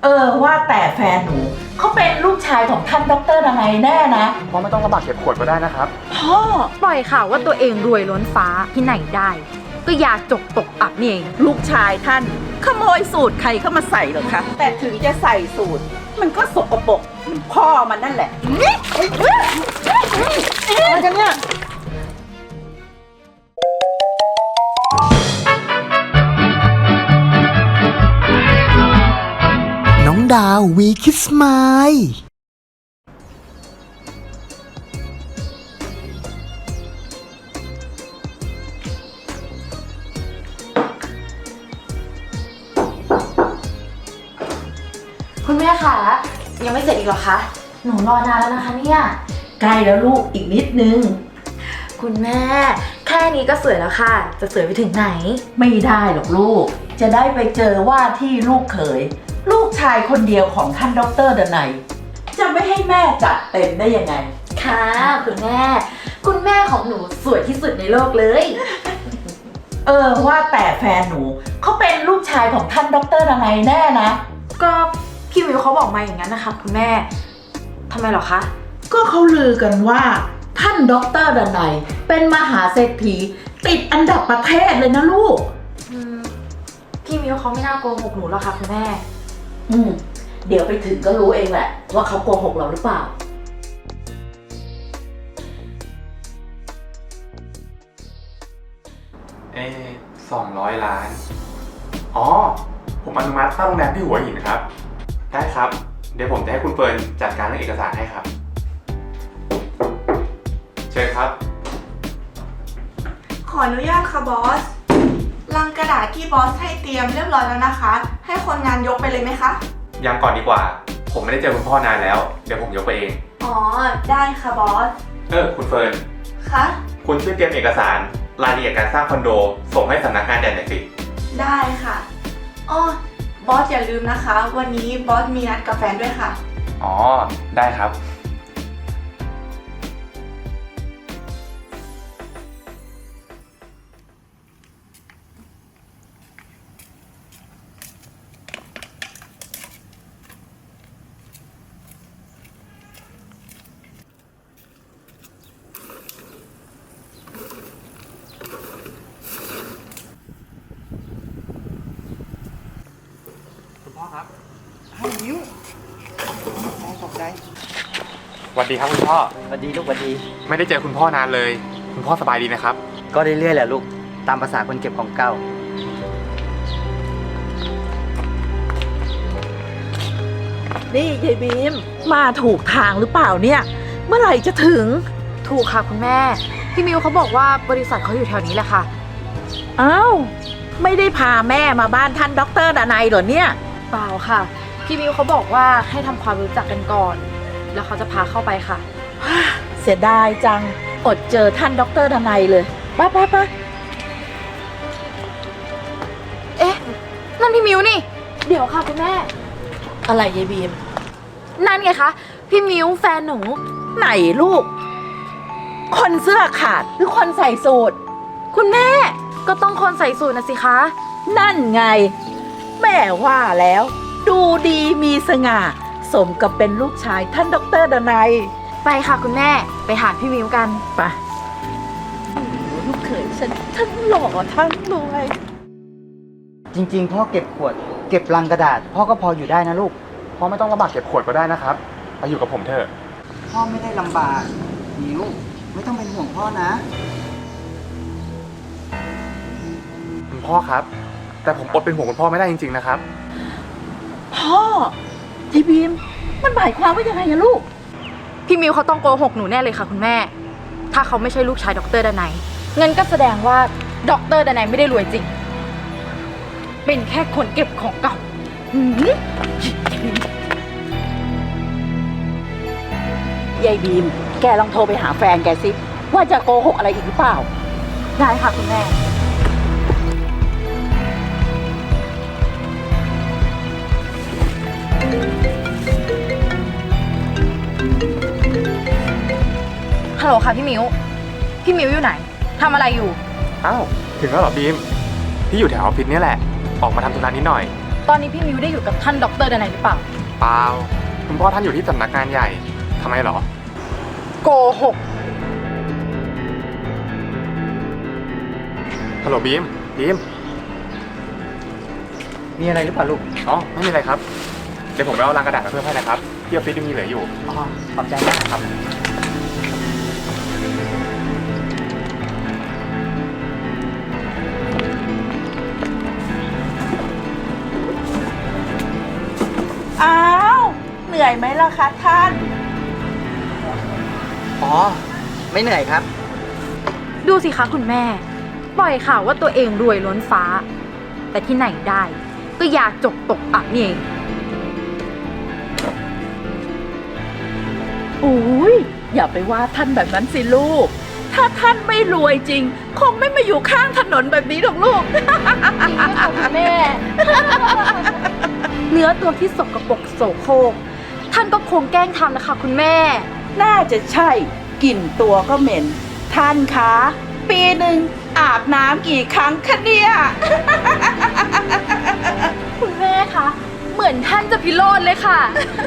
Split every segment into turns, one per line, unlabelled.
ว่าแต่แฟนหนูเขาเป็นลูกชายของท่านด็อกเตอร์อะไรแน่นะ
พ่อไม่ต้องลำบากเก็บขวดก็ได้นะครับ
พ่อ
ปล่อยข่าวว่าตัวเองรวยล้นฟ้าที่ไหนได้ ก็อยากจกตกอับนี่เอง
ลูกชายท่านขโมยสูตรใครเข้ามาใส่เหรอคะแต่ถึงจะใส่สูตรมันก็สกปรกเหมือนพ่อมันนั่นแหละอะไรกันเนี่ย
น้องดาววีคิสไมล์
คุณแม่คะยังไม่เสร็จอีกเหรอคะหนูรอนานแล้วนะคะเนี่ย
ใกล้แล้วลูกอีกนิดนึง
คุณแม่แค่นี้ก็สวยแล้วค่ะจะสวยไปถึงไหน
ไม่ได้หรอกลูกจะได้ไปเจอว่าที่ลูกเขยลูกชายคนเดียวของท่านด็อกเตอร์ดนัยจะไม่ให้แม่จัดเต็มได้ยังไง
ค่ะคุณแม่คุณแม่ของหนูสวยที่สุดในโลกเลย
ว่าแต่แฟนหนูเขาเป็นลูกชายของท่านด็อกเตอร์ดนัยแน่นะ
ก็พี่มิวเขาบอกมาอย่างนั้นนะคะคุณแม่ทำไมหรอคะ
ก็เขาลือกันว่าท่านด็อกเตอร์ดนัยเป็นมหาเศรษฐีติดอันดับประเทศเลยนะลูก
พี่มิวเขาไม่น่าโกหกหนูหรอกค่ะคุณแม่
เดี๋ยวไปถึงก็รู้เองแหละว่าเขาโกหกเราหรือเปล่า
200 ล้านอ๋อผมอนุมัติสร้างโรงแรมที่หัวหินครับได้ครับเดี๋ยวผมจะให้คุณเฟิร์นจัดการเรื่องเอกสารให้ครับเชิญครับ
ขออนุญาตค่ะบอสลังกระดาษที่บอสให้เตรียมเรียบร้อยแล้วนะคะให้คนงานยกไปเลยไหมคะ
ยังก่อนดีกว่าผมไม่ได้เจอคุณพ่อนานแล้วเดี๋ยวผมยกไปเอง
อ๋อได้ค่ะบอส
คุณเฟิร์น
คะ
คุณช่วยเตรียมเอกสารรายละเอียดการสร้างคอนโดส่งให้สำนักงานใหญ่หน่อยสิ
ได้ค่ะอ้อบอสอย่าลืมนะคะวันนี้บอสมีนัดกับแฟนด้วยค่ะ
อ๋อได้ครับพ่อครับ
ให้นิ้วขอบใจ
สวัสดีครับคุณพ่อ
สวัสดีลูกสวัสดี
ไม่ได้เจอคุณพ่อนานเลยคุณพ่อสบายดีนะครับ
ก็เรื่อยๆแหละลูกตามภาษาคนเก็บของเก่า
นี่ยายบีมมาถูกทางหรือเปล่าเนี่ยเมื่อไหร่จะถึง
ถูกค่ะคุณแม่พี่มิวเขาบอกว่าบริษัทเขาอยู่แถวนี้แหละค่ะ
อ้าวไม่ได้พาแม่มาบ้านท่านด็อกเตอร์ดนัยเหรอเนี่ย
เปล่าค่ะพี่มิวเขาบอกว่าให้ทำความรู้จักกันก่อนแล้วเขาจะพาเข้าไปค่ะ
เสียดายจังอดเจอท่านด็อกเตอร์ดนัยเลยไป
เอ๊ะนั่นพี่มิวนี่เดี๋ยวค่ะคุณแม่
อะไรยายบีม
นั่นไงคะพี่มิวแฟนหนู
ไหนลูกคนเสื้อขาดหรือคนใส่สูท
คุณแม่ก็ต้องคนใส่สูทนะสิคะ
นั่นไงแม่ว่าแล้วดูดีมีสง่าสมกับเป็นลูกชายท่านด็อกเตอร์ดนัย
ไปค่ะคุณแม่ไปหาพี่มิวกัน
ไปลูกเขยฉันทั้งหล่อทั้งรวย
จริงๆพ่อเก็บขวดเก็บลังกระดาษพ่อก็พออยู่ได้นะลูก
พ่อไม่ต้องลำบากเก็บขวดก็ได้นะครับไปอยู่กับผมเถอะ
พ่อไม่ได้ลำบากนิ้วไม่ต้องเป็นห่วงพ่อนะ
คุณพ่อครับแต่ผมอดเป็นห่วงคุณพ่อไม่ได้จริงๆนะครับ
พ่อจีบีมมันหมายความว่ายังไงอะลูก
พี่มิวเขาต้องโกหกหนูแน่เลยค่ะคุณแม่ถ้าเขาไม่ใช่ลูกชายด็อกเตอร์ดนัยเงินก็แสดงว่าด็อกเตอร์ดนัยไม่ได้รวยจริงเป็นแค่คนเก็บของเก่
ายายบีมแกลองโทรไปหาแฟนแกสิว่าจะโกหกอะไรอีกหรือเปล่า
ได้ค่ะคุณแม่ฮัลโหลค่ะพี่มิวอยู่ไหนทำอะไรอยู่
อ้าวถึงแล้วเหรอบีมพี่อยู่แถวออฟฟิศนี่แหละออกมาทำธุระนิดหน่อย
ตอนนี้พี่มิวได้อยู่กับท่านดรดนัยหรือเปล่า
เปล่า คุณพ่อท่านอยู่ที่สำนักงานใหญ่ทำไมเหรอ
โกหก
ฮัลโหลบีม
มีอะไรหรือเปล่าลูก
อ๋อ ไม่มีอะไรครับ เดี๋ยวผมไปเอาลังกระดาษมาเพิ่มให้นะครับที่ออฟฟิศยังมีเหลืออยู่
อ๋อ ขอบใจมาก
ครับ
อ้าว เหนื่อยไหมล่ะคะท่าน
อ๋อ ไม่เหนื่อยครับ
ดูสิคะคุณแม่ ปล่อยข่าวว่าตัวเองรวยล้นฟ้า แต่ที่ไหนได้ ก็อยากจกตกอับนี่เอง
อุ้ยอย่าไปว่าท่านแบบนั้นสิลูก ถ้าท่านไม่รวยจริง คงไม่มาอยู่ข้างถนนแบบนี้หรอกลูก
จริงด้วยค่ะคุณแม่ เนื้อตัวที่สกปรกโสโครกท่านก็คงแกล้งทำนะคะคุณแม่
น่าจะใช่กลิ่นตัวก็เหม็น ท่านคะ ปีหนึ่งอาบน้ำกี่ครั้งคะเนี่ย
คุณแม่คะ เหมือนท่านจะพิโรธเลยค่ะ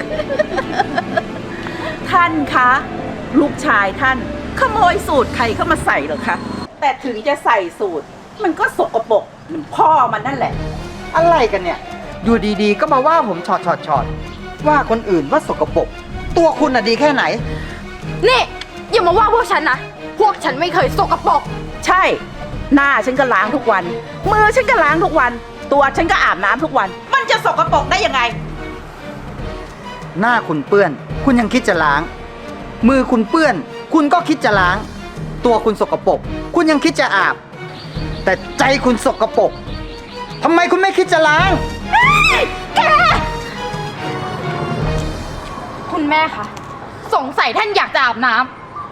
ท่านคะ ลูกชายท่าน ขโมยสูตรใครเข้ามาใส่เหรอคะ แต่ถึงจะใส่สูตร มันก็สกปรกเหมือนพ่อมันนั่นแหละ
อะไรกันเนี่ย อยู่ดีๆ ก็มาว่าผมช็อตว่าคนอื่นว่าสกปรก ตัวคุณน่ะดีแค่ไหน
นี่อย่ามาว่าพวกฉันนะ พวกฉันไม่เคยสกปรก
ใช่ หน้าฉันก็ล้างทุกวัน มือฉันก็ล้างทุกวัน ตัวฉันก็อาบน้ำทุกวัน มันจะสกปรกได้ยังไง
หน้าคุณเปื้อน คุณยังคิดจะล้าง มือคุณเปื้อน คุณก็คิดจะล้าง ตัวคุณสกปรก คุณยังคิดจะอาบ แต่ใจคุณสกปรกทำไมคุณไม่คิดจะล้าง
คุณแม่คะ สงสัยท่านอยากจะอาบน้ำ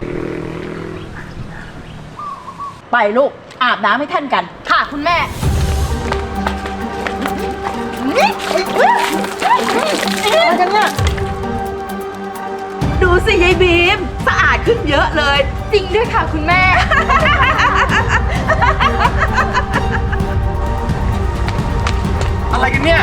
ไปลูก อาบน้ำให้ท่านกัน
ค่ะคุณแม่
อะไรกันเนี่ย
ดูสิยายบีม สะอาดขึ้นเยอะเลย
จริงด้วยค่ะคุณแม่
อะไรกันเนี่ย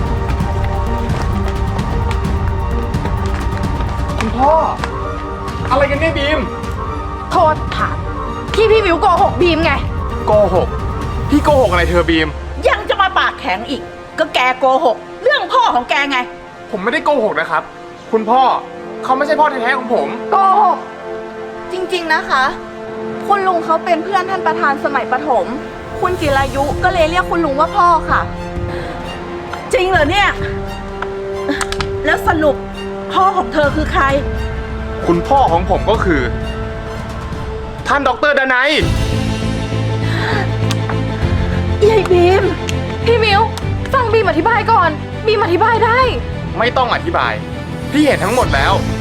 คุณพ่อ อะไรกันเนี่ยบีม
โทษฐานที่พี่มิวโกหกบีมไง
โกหก พี่โกหกอะไรเธอบีม
ยังจะมาปากแข็งอีก ก็แกโกหก เรื่องพ่อของแกไง
ผมไม่ได้โกหกนะครับ คุณพ่อเขาไม่ใช่พ่อแท้ๆของผม
โกหก
จริงๆนะคะ คุณลุงเขาเป็นเพื่อนท่านประธานสมัยประถม คุณจิรายุก็เลยเรียกคุณลุงว่าพ่อค่ะ
จริงเหรอเนี่ย แล้วสรุปพ่อของเธอคือใคร
คุณพ่อของผมก็คือ ท่านดรดนัย
ยายบีม
พี่มิวฟังบีมอธิบายก่อน บีมอธิบายได้
ไม่ต้องอธิบาย พี่เห็นทั้งหมดแล้ว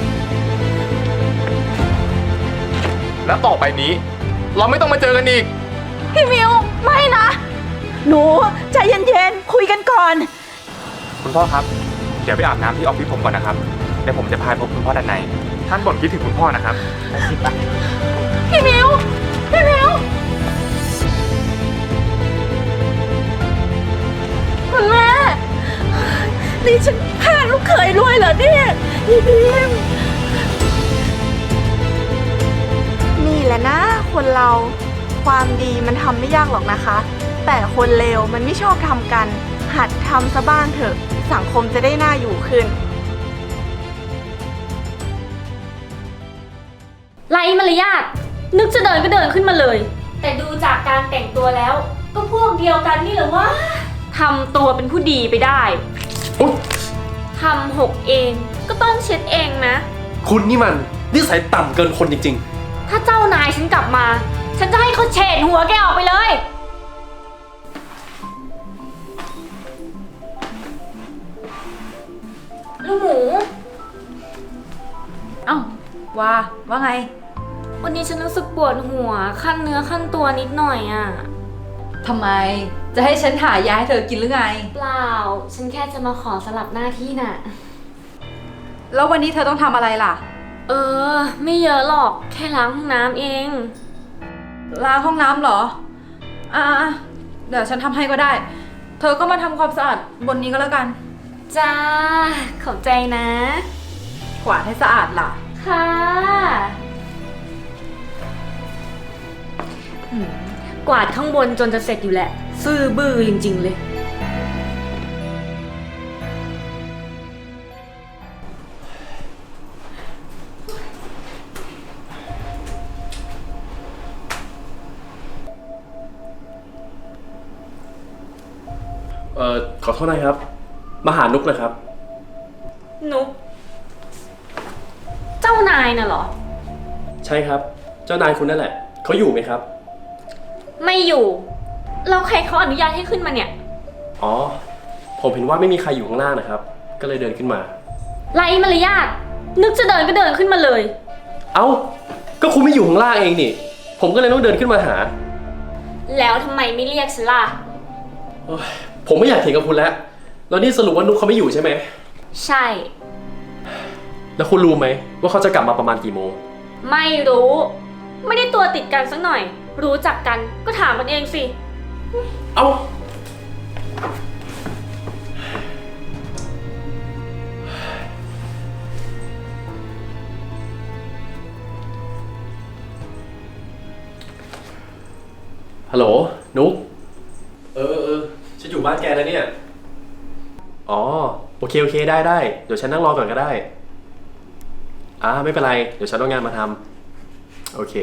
และต่อไปนี้ เราไม่ต้องมาเจอกันอีก
พี่มิวไม่นะ
หนูใจเย็นๆ คุยกันก่อน
คุณพ่อครับ เดี๋ยวไปอาบน้ำที่ออฟฟิศผมก่อนนะครับ เดี๋ยวผมจะพาไปพบคุณพ่อด้านใน ท่านบ่นคิดถึงคุณพ่อนะครับ
พี่มิวพี่มิวคุณแม่
นี่ฉันพลาดลูกเขยรวยเหรอเนี่ยยายบีม
นี่แหละนะ คนเราความดีมันทำไม่ยากหรอกนะคะ แต่คนเลวมันไม่ชอบทำกัน หัดทำซะบ้างเถอะ สังคมจะได้น่าอยู่ขึ้น
ไร้มารยาทนึกจะเดินก็เดินขึ้นมาเลย แต่ดูจากการแต่งตัวแล้ว ก็พวกเดียวกันนี่เหรอวะทำตัวเป็นผู้ดีไปได้
อุ๊ย
ทำหกเองก็ต้องเช็ดเองนะ
คุณนี่มันนิสัยต่ำเกินคนจริง
ถ้าเจ้านายฉันกลับมา ฉันจะให้เขาเฉดหัวแกออกไปเลย ลูกหมู
เอ้าว่าไง
วันนี้ฉันรู้สึกปวดหัวขั้นเนื้อขั้นตัวนิดหน่อยอ่ะ
ทำไม จะให้ฉันหายาให้เธอกินหรือไง
เปล่า ฉันแค่จะมาขอสลับหน้าที่น่ะ
แล้ววันนี้เธอต้องทำอะไรล่ะ
ไม่เยอะหรอก แค่ล้างห้องน้ำเอง
ล้างห้องน้ำเหรอ อ่าเดี๋ยวฉันทำให้ก็ได้เธอก็มาทำความสะอาดบนนี้ก็แล้วกัน
จ้า ขอบใจนะ
กวาดให้สะอาดล่ะ
ค่ะหืมกวาดข้างบนจนจะเสร็จอยู่แหละ ซื่อบื้อจริงๆเลย
ขอโทษนะครับ มาหานุกนะครับ
นุก เจ้านายน่ะเหรอ
ใช่ครับ เจ้านายคุณนั่นแหละ เขาอยู่ไหมครับ
ไม่อยู่ แล้วใครเขาอนุญาตให้ขึ้นมาเนี่ย
อ๋อ ผมเห็นว่าไม่มีใครอยู่ข้างล่างนะครับ ก็เลยเดินขึ้นมา
ไร้มารยาท นึกจะเดินก็เดินขึ้นมาเลย
เอ้า ก็คุณไม่อยู่ข้างล่างเองนี่ ผมก็เลยต้องเดินขึ้นมาหา
แล้วทำไมไม่เรียกฉันล่ะ
โอ๊ยผมไม่อยากเถียงกับคุณแล้ว แล้วนี่สรุปว่านุกเขาไม่อยู่ใช่ไหม
ใช่
แล้วคุณรู้ไหมว่าเขาจะกลับมาประมาณกี่โมง
ไม่รู้ ไม่ได้ตัวติดกันสักหน่อย รู้จักกันก็ถามกันเองสิ
เอ้า ฮัลโหล นุกฉันอยู่บ้านแกแล้วเนี่ย อ๋อ โอเค ได้ เดี๋ยวฉันนั่งรอก่อนก็ได้ ไม่เป็นไร เดี๋ยวฉันเอางานมาทำ โอเค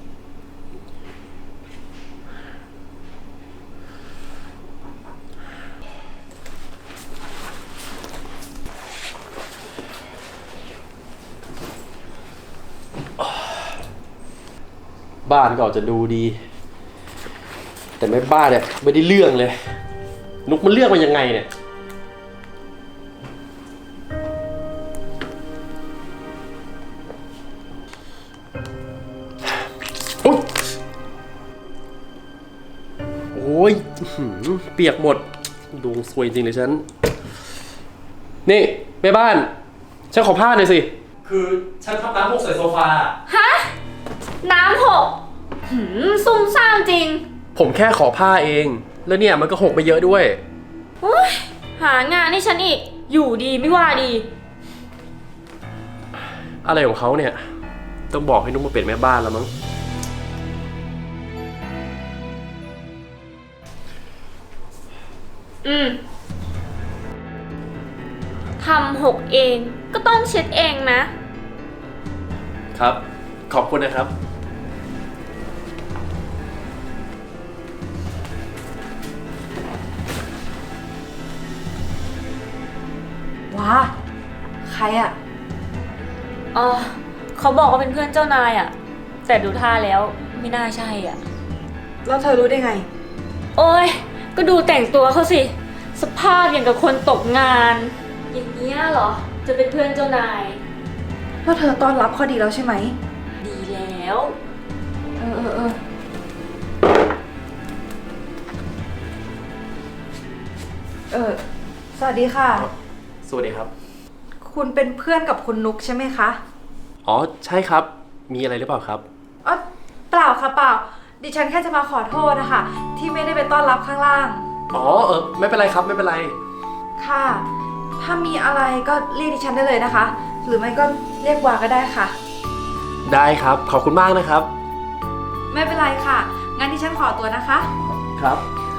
บ้านก็อาจจะดูดี แต่แม่บ้านเนี่ยไม่ได้เรื่องเลย นุกมันเลือกมายังไงเนี่ย โอ้ยอื้อหือเปียกหมดดวงซวยจริงเลยฉัน นี่แม่บ้าน ฉันขอผ้าหน่อยสิ คือฉันทำน้ำหกใส่โซฟา
ฮะ น้ำหกซุ่มซ่ามจริง
ผมแค่ขอผ้าเอง แล้วเนี่ยมันก็หกไปเยอะด้วย
โอ๊ยหางานให้ฉันอีก อยู่ดีไม่ว่าดี
อะไรของเขาเนี่ย ต้องบอกให้นุ๊กมาเป็นแม่บ้านแล้วมั้ง
ทำหกเองก็ต้องเช็ดเองนะ
ครับ ขอบคุณนะครับ
ว้า ใครอะ
อ๋อ เขาบอกว่าเป็นเพื่อนเจ้านายอะแต่ดูท่าแล้วไม่น่าใช่อ่ะ
แล้วเธอรู้ได้ไง
โอ้ย ก็ดูแต่งตัวเขาสิ สภาพอย่างกับคนตกงาน อย่างเนี้ยเหรอ จะเป็นเพื่อนเจ้านาย
แล้วเธอต้อนรับเขาดีแล้วใช่ไหม
ดีแล้ว
สวัสดีค่ะ
สวัสดีครับ
คุณเป็นเพื่อนกับคุณนุกใช่ไหมคะ
อ๋อ ใช่ครับ มีอะไรหรือเปล่าครับ
อ๋อ เปล่าค่ะเปล่า ดิฉันแค่จะมาขอโทษนะคะที่ไม่ได้ไปต้อนรับข้างล่าง
อ๋อ ไม่เป็นไรครับ ไม่เป็นไร
ค่ะ ถ้ามีอะไรก็เรียกดิฉันได้เลยนะคะ หรือไม่ก็เรียกวาก็ได้ค่ะ
ได้ครับ ขอบคุณมากนะครับ
ไม่เป็นไรค่ะ งั้นดิฉันขอตัวนะคะ
ครับ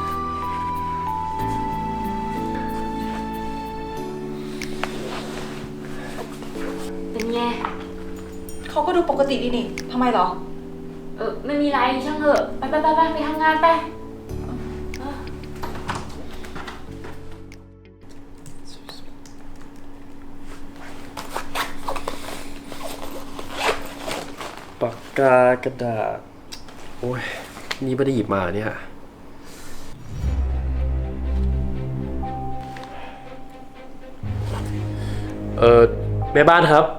เป็นไง
เขาก็ดูปกติดีนี่ทำไมเหรอ
ไม่มีไรช่างเถอะ ไปไปทำงานไป
ปากกากระดาษ โอ้ย นี่ไม่ได้หยิบมาเนี่ย แม่บ้านครับ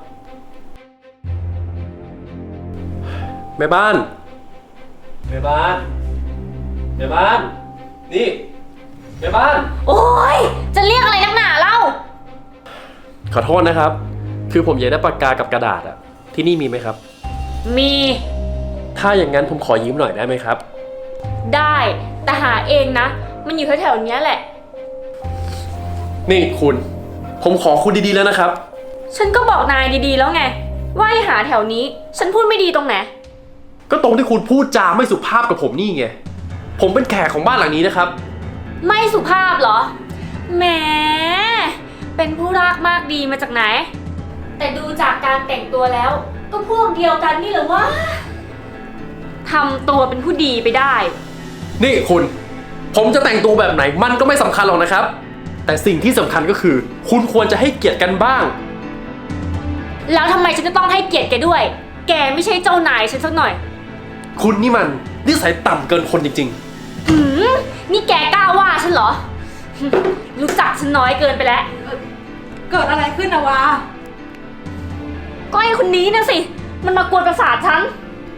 แม่บ้าน แม่บ้าน แม่บ้าน นี่ แม่บ้าน
โอ้ย จะเรียกอะไรนักหนาเล่า
ขอโทษนะครับ คือผมอยากได้ปากกากับกระดาษอะที่นี่มีไหมครับ
มี
ถ้าอย่างนั้นผมขอยืมหน่อยได้ไหมครับ
ได้ แต่หาเองนะ มันอยู่แถวๆเนี้ยแหละ
นี่คุณ ผมขอคุณดีๆแล้วนะครับ
ฉันก็บอกนายดีๆแล้วไง ว่าให้หาแถวนี้ ฉันพูดไม่ดีตรงไหน
ก็ตรงที่คุณพูดจาไม่สุภาพกับผมนี่ไง ผมเป็นแขกของบ้านหลังนี้นะครับ
ไม่สุภาพเหรอ แหม เป็นผู้รากมากดีมาจากไหน แต่ดูจากการแต่งตัวแล้ว ก็พวกเดียวกันนี่เหรอวะทำตัวเป็นผู้ดีไปได้
นี่คุณ ผมจะแต่งตัวแบบไหนมันก็ไม่สำคัญหรอกนะครับ แต่สิ่งที่สำคัญก็คือ คุณควรจะให้เกียรติกันบ้าง
แล้วทำไมฉันจะต้องให้เกียรติแกด้วย แกไม่ใช่เจ้านายฉันสักหน่อย
คุณนี่มันนิสัยต่ำเกินคนจริง
หืมนี่แกกล้าว่าฉันเหรอ รู้จักฉันน้อยเกินไปแล้ว
เกิดอะไรขึ้นนะวา
ก็ไอ้คนนี้นะสิ มันมากวนประสาทฉัน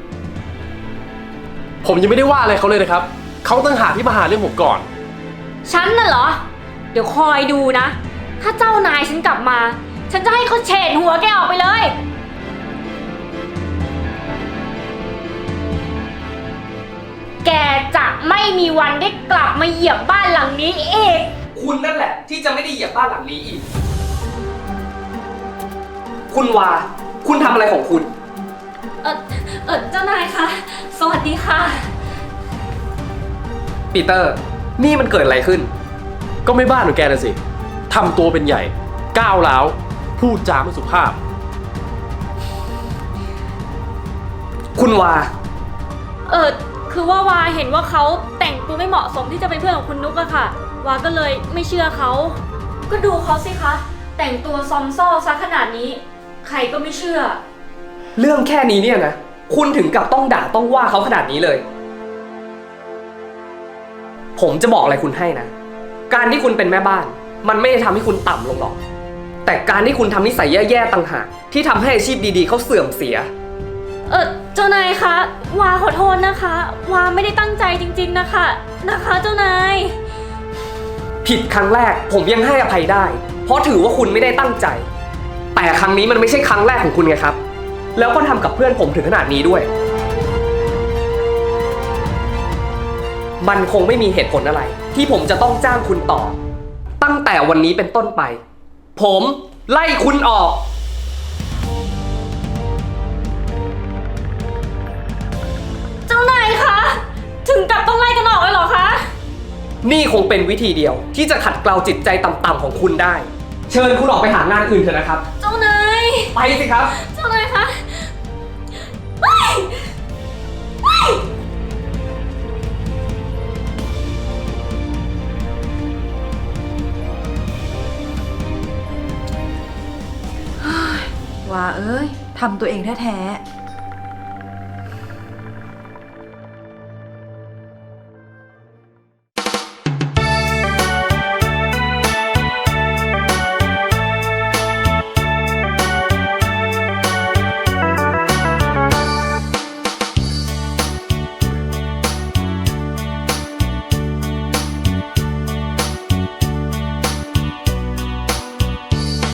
ๆ ผมยังไม่ได้ว่าอะไรเขาเลยนะครับ เขาตั้งหากที่มาหาเรื่องผมก่อน
ฉันน่ะเหรอ เดี๋ยวคอยดูนะ ถ้าเจ้านายฉันกลับมา ฉันจะให้เขาเฉดหัวแกออกไปเลย แกจะไม่มีวันได้กลับมาเหยียบบ้านหลังนี้อีก
คุณนั่นแหละที่จะไม่ได้เหยียบบ้านหลังนี้อีก คุณวา คุณทำอะไรของคุณ
เจ้านายคะ สวัสดีค่ะ
ปีเตอร์ นี่มันเกิดอะไรขึ้น
ก็ไม่บ้านของแกน่ะสิทำตัวเป็นใหญ่ ก้าวร้าว พูดจาไม่สุภาพ
คุณวา
คือว่าวาเห็นว่าเขาแต่งตัวไม่เหมาะสมที่จะเป็นเพื่อนของคุณนุกอะค่ะ วาก็เลยไม่เชื่อเขา ก็ดูเขาสิคะ แต่งตัวซอมซ่อซะขนาดนี้ ใครก็ไม่เชื่อ
เรื่องแค่นี้เนี่ยนะ คุณถึงกับต้องด่าต้องว่าเขาขนาดนี้เลย ผมจะบอกอะไรคุณให้นะ การที่คุณเป็นแม่บ้าน มันไม่ได้ทำให้คุณต่ำลงหรอก แต่การที่คุณทำนิสัยแย่ๆต่างหากที่ทำให้อาชีพดีๆเขาเสื่อมเสีย
เจ้านายคะ วาขอโทษนะคะ วาไม่ได้ตั้งใจจริงๆนะคะ เจ้านาย
ผิดครั้งแรกผมยังให้อภัยได้ เพราะถือว่าคุณไม่ได้ตั้งใจ แต่ครั้งนี้มันไม่ใช่ครั้งแรกของคุณไงครับ แล้วก็ทำกับเพื่อนผมถึงขนาดนี้ด้วย มันคงไม่มีเหตุผลอะไร ที่ผมจะต้องจ้างคุณต่อ ตั้งแต่วันนี้เป็นต้นไป ผมไล่คุณออก
เจ้านายคะ ถึงกับต้องไล่กันออกเลยเหรอคะ
นี่คงเป็นวิธีเดียวที่จะขัดเกลาจิตใจต่ำๆของคุณได้ เชิญคุณออกไปหางานอื่นเถอะนะครับ
เจ้านาย
ไปสิครับ
เจ้านายคะเฮ้ย
วาเอ้ยทำตัวเองแท้ๆ